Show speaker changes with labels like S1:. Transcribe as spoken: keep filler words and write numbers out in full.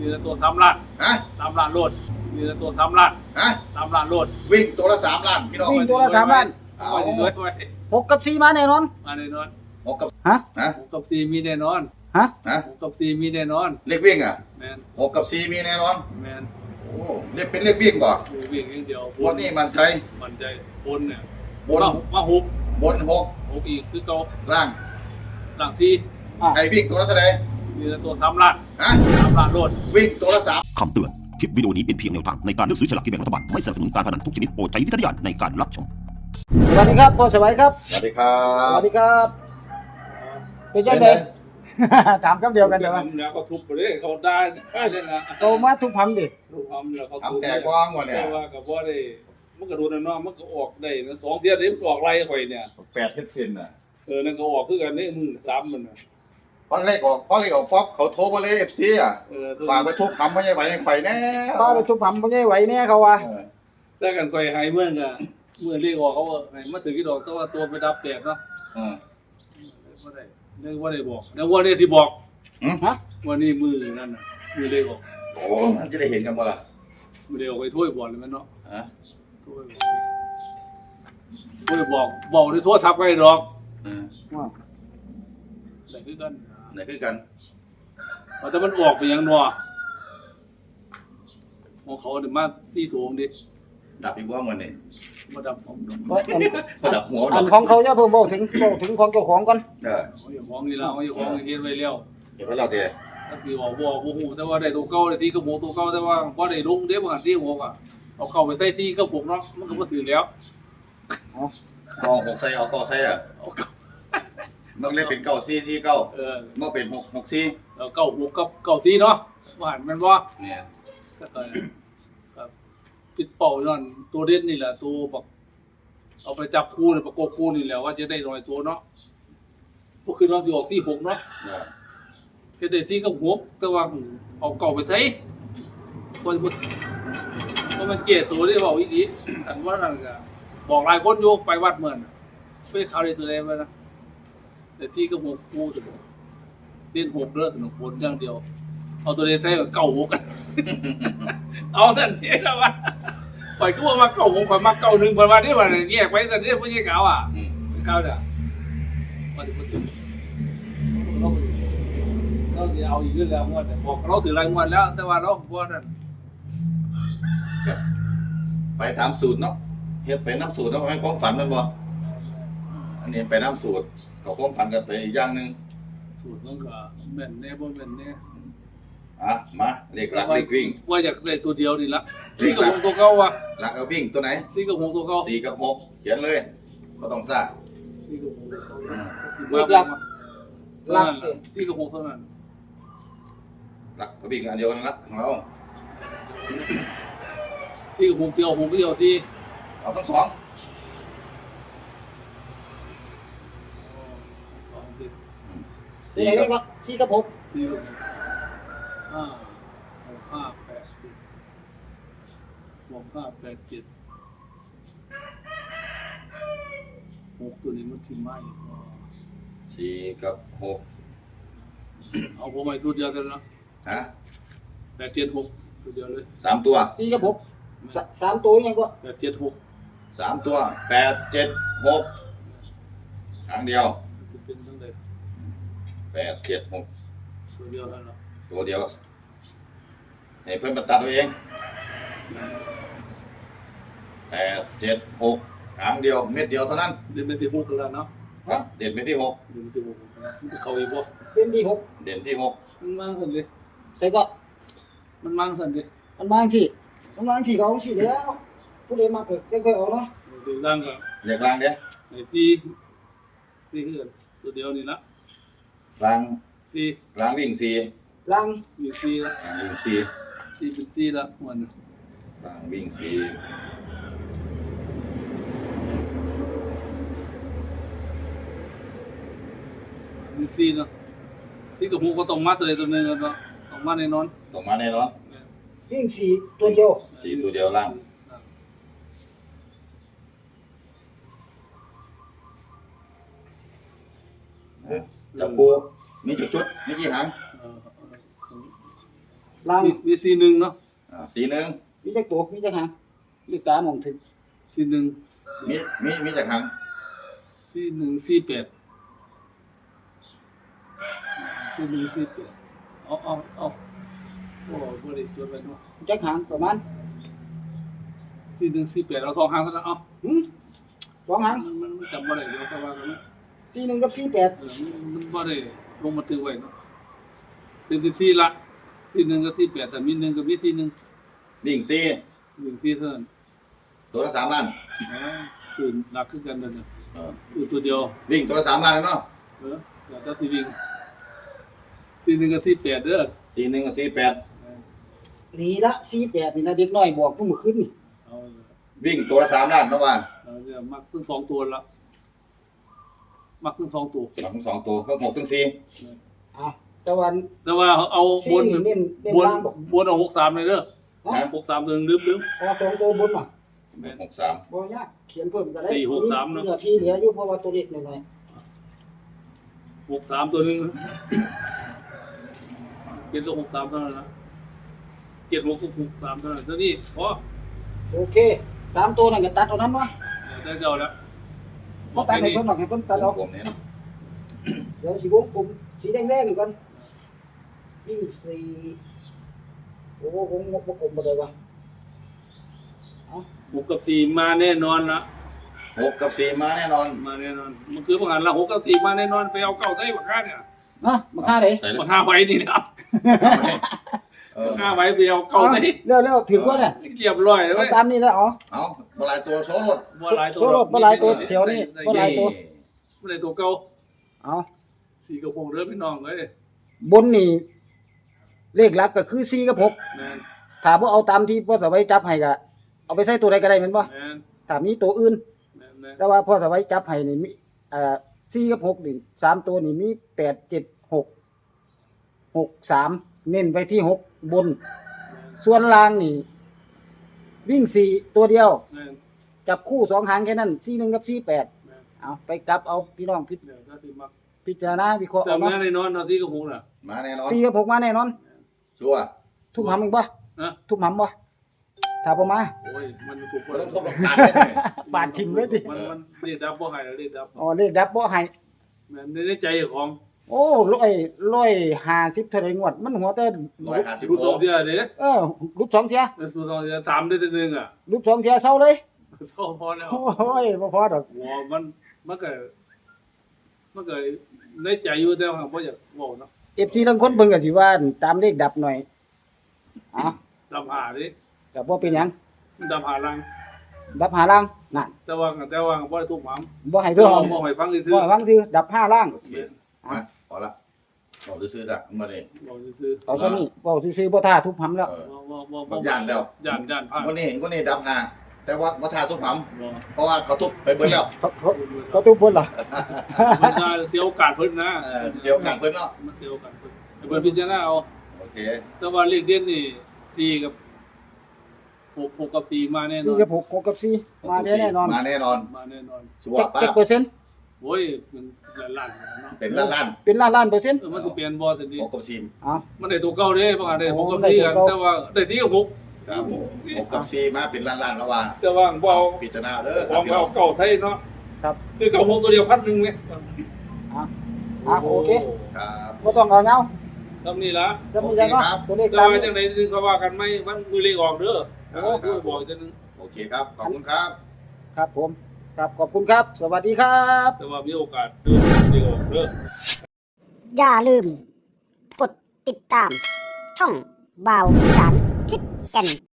S1: มีแต่ตัวสามล้าน
S2: ฮะ
S1: สามล้านโลดมีแต่ตัวสามล้าน
S2: ฮะ
S1: สามล้านโลด
S2: วิ่งตัวละสามล้านพี่น้อง
S3: วิ่งตัวละสามล้าน
S2: เอา
S1: ไว้เงินไว้
S3: หกกับสี่มาแน่นอน
S1: มาแน่นอน
S2: หกกับ
S3: ฮะ
S2: ฮะ
S1: หกกับสี่มีแน่นอน
S3: ฮะ
S2: ฮะ
S1: หกกับสี่มีแน่นอน
S2: เลขวิ่งอ่ะ
S1: แมน
S2: หกกับสี่มีแน่นอน
S1: แมน
S2: โอ้เลขเป็นเลขวิ่งบ่
S1: ดูวิ่งอย่างเดียว
S2: วันนี้มันใจ
S1: มันใจบนเนี่ย
S2: บน
S1: มามาหก
S2: บนหก
S1: หกอีกคือเก่า
S2: ล่าง
S1: หลังสี่
S2: ไอ้วิ่งตัวละเท่าไหร่
S1: มีแต่ตัวสามล้าน
S2: ฮะ
S1: สามล้านโลด
S2: วิ่งตัวละสาม
S4: คำเตือน คลิปวิดีโอนี้เป็นเพียงแนวทางในการเลือกซื้อฉลากกินแบ่งรัฐบาล ไม่สนับสนุนการพนันทุกชนิดโปรดใช้วิจารณญาณในการรับชม
S3: สวัสดีครับพ่อสวัยครับ
S2: สวัสดีครั
S3: ส
S2: บ
S3: วัสดีครับเป็นยังไง ถามคำเดียวกันเดี๋ยวว่า
S1: แล้วก็ทุบไปเลยเขาได้ได้นะ
S3: โตมาทุกพันดิ
S1: ทุบทำแล้วเขาทุบ
S2: ทำแต่กว้างกว่าเนี่ย
S1: แต่ว่ากับว่าได้มันก็โดนนะเนาะมันก็ออกได้นะสองเทียนี้ออกไรข่อยเนี่ย
S2: แปดเฮ็ดเส้นน่ะ
S1: เออนั่นก็ออกคือกันนี่มึงสามมันน่ะ
S2: พอเลขออกพอเลขออกป๊อปเขาโทรมาเลยเอฟซีอ่ะ
S1: เออ
S2: ฝากไปทุบทำไม่ใช่ไหวไข่แน่
S3: ป้าไปทุกพันไม่ใช่ไหวแน่เขาว่า
S2: เออ
S1: แต่กันข่อยหายเมื่อกะเมื่อเรียกออกเขาว่าให้มาถือกี่ดอกแต่ว่าตัวไปดับแตกเนาะ
S2: เออ
S1: บ่ได้นึกว่าได้บอกนึกว่าได้ที่บอก
S2: หืม
S3: ฮะ
S1: วันนี้มือนั่นน่ะมือเรียกออก
S2: โอ้มันจะได้เห็นกันบ่ล่ะ
S1: มือเรียกออกไปถ้วยบอลเลยมันเนาะ
S2: ฮะ
S1: ถ้วยถ้วยบอกบอกได้โทษทับไว้ดอก
S2: เออ
S3: ว่า
S1: แต่คือกัน
S2: ไหนคือกัน
S1: ว่าแต่มันออกไปยังนัวมองเขาเดี๋ยวมาที่โถงดิ
S2: ดับอีกบ้างวันนี้
S1: มาดับผมดอก
S3: เฮ้ยอัน
S2: ดับหัว
S3: อั
S2: ดั
S3: น
S2: บ
S3: ของเขาเนี่ยเพิ่งบอกถึงบอกถึงของเจ้าของก่อน
S2: เออ
S1: เขาอย่าของนี่แล้วเขาอย่าของเฮ็ดไว้แล้ว
S2: เดี๋ยวให้เราเดี๋ยว
S1: ก็คือบอกบอกโอ้โหแต่ว่าได้ตัวเก่าได้ที่กระโปงตัวเก่าแต่ว่าพอได้ลงเดี๋ยวมันที่หัวอ่ะเอาเข้าไปใส่ที่กระโปงเนาะมันก็บ่ถือแล้ว
S2: เอาหกใส่เอาเก้าใส่อ่ะ
S1: เอาเข้า
S2: มันเลยเป็นเก้าสี่สี่เก้า
S1: เออ
S2: มันเป็นหกหกสี่
S1: แล้วเก้าหกกับเก้าที่เนาะว่าหันมันบ่
S2: เนี่ย
S1: ก็ก็ครับปิดเป่านั่นตัวเด่นนี่แหละตัวบักเอาไปจับคู่เนี่ยประกบคู่นี่แหละว่าจะได้หน่อยตัวเนาะก็คือเราสิออกสี่หกเนาะ
S2: เออ
S1: เฮ็ดได้สี่กับหกแต่ว่าเอาเก่าไปใส่คนบ่ก็มันเกลียดตัวที่เว้าอีหลีอันว่านั่นก็บอกหลายคนอยู่ไปวัดเหมือนไปเข้าได้ตัวใดมานะแต่ที่กับหกคู่ตัวเล่นหกเด้อสนุกผลอย่างเดียวเอาตัวใดใส่ก็เก่าหก เอาสั่นเสียแล้ววะปล่อยก็ว่ามาเก่าผมข่อยมาเก่าหนึ่งข่อยมาได้ว่าแยกไปสั่นเรียกผู้ใหญ่เก่าอ่ะ
S2: อืม
S1: เก่าเด้อมาถึงมาถึงเราเราจะเอาอีกเรื่องแล้วงวดเนี่ยบอกเราถือรายงวดแล้ว แต่ว่าเราบ่นั่น
S2: ไปตามสูตรเนาะเฮ็ดไปน้ำสูตรเนาะให้ความฝันมันบ่อันนี้ไปน้ำสูตรเขาความฝันกันไปอีกอย่างหนึ่ง
S1: สูตรมันก็แม่นแน่บ่แม่นแน่
S2: อ่ะมาเลขหลักเลขวิ่ง
S1: ว่าอยากได้ตัวเดียวนี่ละสี่กับหกตัวเก่าว่ะ
S2: หลักเอาวิ่งตัวไหน
S1: สี่กับหกตัวเก่า
S2: สี่กับหกเขียนเลยก็ต้องซ่า
S1: สี่กับหกตัวเก่า
S2: อืม
S3: อีกหลัก
S1: เท่านั้นล่ะสี่กับหกเท่านั้น
S2: หลักก็วิ่งอันเดียวกันละของเรา
S1: สี่กับหกสี่กับหกก็เดียวสี่
S2: เอาทั้งสอง
S1: สองสี่
S3: สี่กับก็สี่กับหก
S1: สี่กับหกห้าหกห้าแปดเจ็ดหกห้าแปดเจ็ดหกตัวนี้มันสิมาอีกว่า
S2: สี่กับหก
S1: เอาผมไปตัวเดียวกันนะ
S2: ฮะ
S1: แปดเจ็ดหกตัวเดียวเลย
S2: สามตัว
S3: สี่กับหกสสามตัวยังก็
S1: แปดเจ็ดหก
S2: สามตัวแปดเจ็ดหกครั้งเดียว
S1: จะเป็นตั้งแต่
S2: แปดเจ็ดหก
S1: ตัวเดียวเท่านั้น
S2: ตัวเดียวให้เพื่อนมาตัดเอาเองแปดเจ็ดหกครั้งเดียวเม็ดเดียวเท่านั้น
S1: เดินไปที่หกกันแล้วเนาะ
S2: ครับเด่นไปที่หก
S1: เดินไปที่หกมันจะเข้าอีกบ่
S3: เป็นดีหก
S2: เด่นที่หก
S1: มันมั่งสันเลย
S3: ใส่ก็
S1: มันมั่งสันเลย
S3: มันมาสิมันมาสิเขาสิแล้วผู้ใดมาเกิดได้ค่อยเอาเนาะ
S1: เดินล่างก็
S2: เรียกล่างเด้
S1: ไอ้สี่สี่คือกันตัวเดียวนี่ละ
S2: ล่าง
S1: สี่
S2: ล่างวิ่งสี่
S3: ลัง
S1: มีสี่ละ
S2: ล่างวิ่งสี่
S1: สี่เป็นสี่ละวัน
S2: ล่างวิ่งสี่
S1: มีสี่เนาะสี่กับหกก็ต้องมาตัวใดตัวหนึ่งกันเนาะต้องมาแน่นอน
S2: ตรงมาแน่นอน
S3: วิ่งสี่ตัวเดียว
S2: สี่ตัวเดียวล่างจับคู่มีจุดจุดมีกี่หาง
S1: เออเออ
S3: ล่าง
S1: มีมีสี่หนึ่งเนาะ
S2: อ่าสีหนึ่ง
S3: มีจักตัวมีจักหางมีตามองถึง
S1: สี่หนึ่ง
S2: มีมีมีจากหาง
S1: สี่หนึ่งสี่แปดสี่หนึ่งสี่แปดเอาเอาเอาโอ้บริสุทธิ์ไปเนาะ
S3: มีจักหางประมาณ
S1: สี่หนึ่งสี่แปดเราสองหางเท่านั้นเอา
S3: หืมสองหาง
S1: มันมันจำบ่ได้เดี๋ยวเขาว่ากันนะ
S3: สี่หนึ่งกับสี่แปด
S1: เออมันมันบ่ได้ลงมาตึกไว้เนาะเป็นที่สี่ละสี่หนึ่งกับสี่แปดแต่มีหนึ่งกับมีสี่หนึ่ง
S2: ดิ่งซี
S1: หนึ่งสี่เท่านั้น
S2: ตัวละสามล้าน
S1: อ๋อตื่นหนักขึ้นกันเลยเนี่ย
S2: เออ
S1: อยู่ตัวเดียว
S2: วิ่งตัวละสามล้านเลยเนาะ
S1: เออแต่ถ้าสี่วิ่งสี่หนึ่งกับสี่แปดเด้อ
S2: สีหนึ่งกับสีแปด
S3: นี่ละสี่แปดนี่นะเด็กน้อยบอกเมื่อคืนนี่
S1: เอา
S2: วิ่งตัวละสามล้านเนาะว่า
S1: เราจะมักทั้งสองตัวละมักทั้งสองตัว
S2: ทั้งสองตัวทั้งหกทั้งสี่
S3: เอาแต่วัน
S1: แต่ว่าเอาบ
S3: สี่
S1: น
S3: นี่เน้นเน้น
S1: บน
S3: ล่างบอก
S1: บนเอาหกสามเลยเด้อ
S3: ฮะ
S1: หกสามตัวหนึงลืมลืม
S3: พอสองตัวบนมา
S2: หกสาม
S3: บ่ยากเขียนเพิ่มก็ได้
S1: สี่หกสามเนอะ
S3: เหลือที่เหลืออยู่เพราะว่าตัวเล็กหน่อย
S1: หกสามตัวหนึงเป็นตัวหกสามเท่านั้นนะเจ็ดหกหกสามเท่านั้นเท่านี้พอ
S3: ๆโอเคสามตัวนั่นก็ตัดเอานั้นวะ
S1: ได้เจ้าแล้ว
S3: บ่ตัดให้เพิ่นหรอกให้เพิ่นตัดเอา
S2: กลมเนี่ยเนาะ
S3: เดี๋ยวสีวงกลมสีแดงๆก่อนวิ่งสี่โอ้วงบ่กลมบ่ได้วะ
S1: หกกับสี่มาแน่นอนนะ
S2: หกกับสี่มาแน่นอน
S1: มาแน่นอนมันคือประกันละหกกับสี่มาแน่นอนไปเอาเก้าได้บักค่าเนี่ย
S3: เนาะมาค่าได้
S2: ใส่เลย
S1: บักค่าไว้นี่นะครับ
S2: เออ
S1: บักค่าไว้ไปเอาเก้าได้
S3: เร็วๆถึงว่าเนี่ย
S1: เรียบร้อยแล้ว
S3: เอา
S1: เว้ย
S3: ตามนี้แล้วอ๋อ
S2: เอาบลายตัวโซรถ
S1: บ่หลายตัว
S3: โซโลบ่หลายตัวแถวนี้บ่หลายตัว
S1: บ่หลายตัวเก่า
S3: เอา
S1: สี่กับหกเด้อพี่น้องเอ้ย
S3: บนนี่เลขหลักก็คือสี่กับหก
S1: แม่น
S3: ถ้าบ่เอาตามที่พ่อสวัยจับให้ก็เอาไปใส่ตัวใดก็ได้แม่นบ่
S1: แม่น
S3: ถ้ามีตัวอื่น
S1: แม่นแม่น
S3: แต่ว่าพ่อสวัยจับให้นี่มีเอ่อสี่กับหกนี่สามตัวนี่มีแปด เจ็ด หก หก สามเน้นไปที่หกบน ส่วนล่างนี่ วิ่งสี่ตัวเดียว
S1: แม่น
S3: จับคู่สองหางแค่นั้นสี่หนึ่งกับสี่แปด
S1: แม่น
S3: เอาไปกลับเอาพี่น้องพิ
S1: เดี๋ยวถ้าสิมัก
S3: พิจารณาวิเคราะห์
S1: แต่
S3: เอา
S1: แม่
S3: เนาะ
S1: ในนอนเนาะสี่กับหกน่ะ
S2: มาแน่นอน
S3: สี่กับหกมาแน่นอน
S2: ชัวร์
S3: ทุบหำมึงบ่
S1: นะ
S3: ทุบหำบ่ถ้าบ่มา
S1: โอ้ยมันถูก
S2: ก็ต้องทบหลักฐานเลย
S3: ปาดทิ้งเลยดิ
S1: มันมันเรียกดับบ่ให้แล้วเรียกดับ
S3: อ๋อเลขดับบ่ให้
S1: แม่นในใจของ
S3: โอ้ร้อยร้อยห้าสิบเท่าไรงวด มันหัวแต่
S2: ร้อยห้าสิบ
S1: รู้
S2: โล
S1: ตัวเดียวเด้
S3: เออรูปสองเที่ย
S1: รู้ตัวเดียวสามได้แต่หนึงอ่ะ
S3: รูปสองเที่ยเศร้าเลย
S1: เท่าพอแล้ว
S3: โอ้ยบ่พอดอก
S1: หัวมันมันก็มันก็ในใจอยู่แต่ว่าบ่อยากเว้าเนาะ
S3: เอฟซีบางคนเพิ่นก็สิว่าตามเลขดับหน่อยอ๋อ
S1: ดับหาดิ
S3: ก็บ่เป็นหยัง
S1: มันดับหาลัง
S3: ดับห้าล่างนั่น
S1: แต่ว่าแต่ว่าบ่ได้ทุกหมาม
S3: บ่ให้
S1: บ่
S3: เด้อหอม
S1: บ่ให้ฟังซื่อ
S3: บ่ให้ฟังซื่อดับห้าล่าง
S2: โอเคมาพอละบอกซื้อๆจ้ะมาเลย
S1: ๆบอกซื่อ
S3: เอาซะนี่เว้าซื่อๆบ่ท่าทุบหำแล้ว
S2: เออ
S1: ๆบ่บ่บ่
S2: ผมย่านแล้ว
S1: ย่านย่านพลาด
S2: วันนี้วันนี้ดับหาแต่ว่าวัฒนาทุบห
S1: บ่
S2: ำเพราะว่าเขาทุบไปเบิดแล้ว
S3: เขาเขาเขาทุบเพิ่นเหรอ
S1: มันจะเสียโอกาสเพิ่นนะ
S2: เออเสียโอกาสเพิ่นเนาะ
S1: มันเสียโอกาสเพิ่นให้เพิ่นพิจารณาเอา
S2: โอเค
S1: แต่ว่าเลขเด่นนี่สี่กับหกหกกับสี่มาแน่นอ
S3: สี่
S1: น
S3: กับหกหกกับสี่มาแน่นอน
S2: มาแน่นอน
S1: มาแน่นอน
S2: ชัว
S3: จัก
S2: ร์ป้า
S3: จักเปอร์เซ็นต์
S1: โอ้ยมันล้านๆเนาะ
S2: เป็นล้านล้าน
S3: เป็นล้านล้านเปอร์เซ็นต์
S1: เออมันสิเปลี่ยนบ่ซั่นดิ
S2: หกกับสี่
S3: เอ้า
S1: มันได้ตัวเก่าเด้บางอันได้หกกับ
S3: โอ้
S1: สี่
S3: ได้
S1: กัน
S3: ตัวเก่า
S1: แต่ว่าได้สี่กับหก
S2: ครับหกกับสี่มาเป็นล้านล้านแล้วว่า
S1: แต่ว่าบ่เอา
S2: พิจารณาเด้อค
S1: ข
S2: รั
S1: อบ ง
S2: พี่น้
S1: เรา
S2: อง
S1: เก่าใส่เนาะ
S3: ครับ
S1: คือเก่าหกตัวเดียวพันหนึงไหม
S3: อ่ะอ่ะโอเค
S2: ครับ
S3: บ่ต้องเอาเงา
S1: ทำนี่ละ
S3: จะมีจังเนาะตัวเลข
S1: แต่
S3: ตาม
S1: ว่า
S3: นี้
S1: จังไดนึงเขาว่ากันไหมมันมือเลขออกเด้อโอ้คือบอกจังนึง
S2: โอเคครับ ขอบคุณครับ
S3: ครับผมครับขอบคุณครับ สวัสดีครับ
S1: แต่ว่ามีโอกาสเด้อเลขออกเด้อ
S5: อย่าลืม กดติดตาม ช่องบ่าวสารทิศแก่น